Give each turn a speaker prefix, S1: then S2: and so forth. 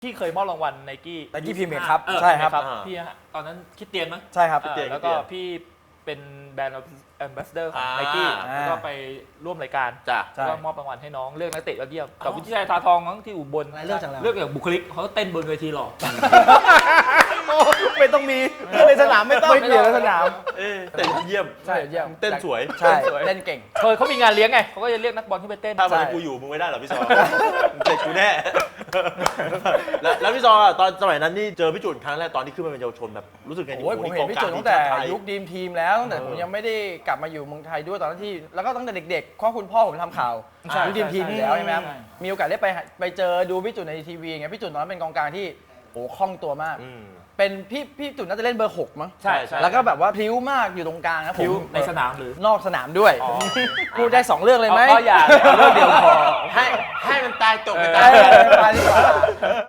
S1: ที่เคยมอบรางวัลไนกี้
S2: Nike Premier ครับใช่ครับ
S1: พี่ฮะตอนนั้นคิดเตียนมั้ย
S2: ใช่ครับ
S1: แล้วก็พี่เป็นแบรนด์แอมบาสเดอร์ของไนกี้แล้วก็ไปร่วมรายการแล้วก็มอบรางวัลให้น้องเลือกนักเตะยอดเยี่ยมกับวิทยาลัยทาทองทั้งที่อุบลเลือกอย่างบุคลิกเขาเต้นบนเวทีหรอ
S2: ไม่ต้องมีในสนามไม่ต้องไม่เปลี่ยนในสนาม
S3: เต้นเยี่ยม
S2: ใช่เยี่ยม
S3: เต้นสวย
S2: ใช่เต้นเก่ง
S1: เขามีงานเลี้ยงไงเขาก็จะเรียกนักบอลที่ไปเต้น
S3: ถ้าวันนี้กูอยู่มึงไม่ได้หรอพี่ซอเสร็จกูแน่แล้วพี่ซอตอนสมัยนั้นนี่เจอพี่จุนครั้งแรกตอนที่ขึ้นมาเป็นเยาวชนแบบรู้สึกไง
S2: โอ้ยผมเห็นพี่จุนตั้งแต่ยุคดีมทีมแล้วตั้งแต่ผมยังไม่ได้กลับมาอยู่เมืองไทยด้วยตอนนั้นที่แล้วก็ตั้งแต่เด็กๆข้อคุณพ่อผมทำข่าวยุคดีมทีมอยู่แล้วใช่ไหมครับมีโอกาสได้ไปเจอดูพี่จุนในทีวีไงพี่จุนตอนนั้นเป็นกองกลางที่โอ้คล่องตัวมากเป็นพี่จุนน่าจะเล่นเบอร์6มั้ง
S1: ใช่
S2: แล้วก็แบบว่าพลิ้วมากอยู่ตรงกลางนะผม
S1: ในสนามหรือน
S2: อกสนามด้วยพูดได้2เรื่องเลยไหม
S1: ก็อย่าเรื่องเดียวพอ
S3: ให้มันตายจบไป
S2: ตายดีกว่า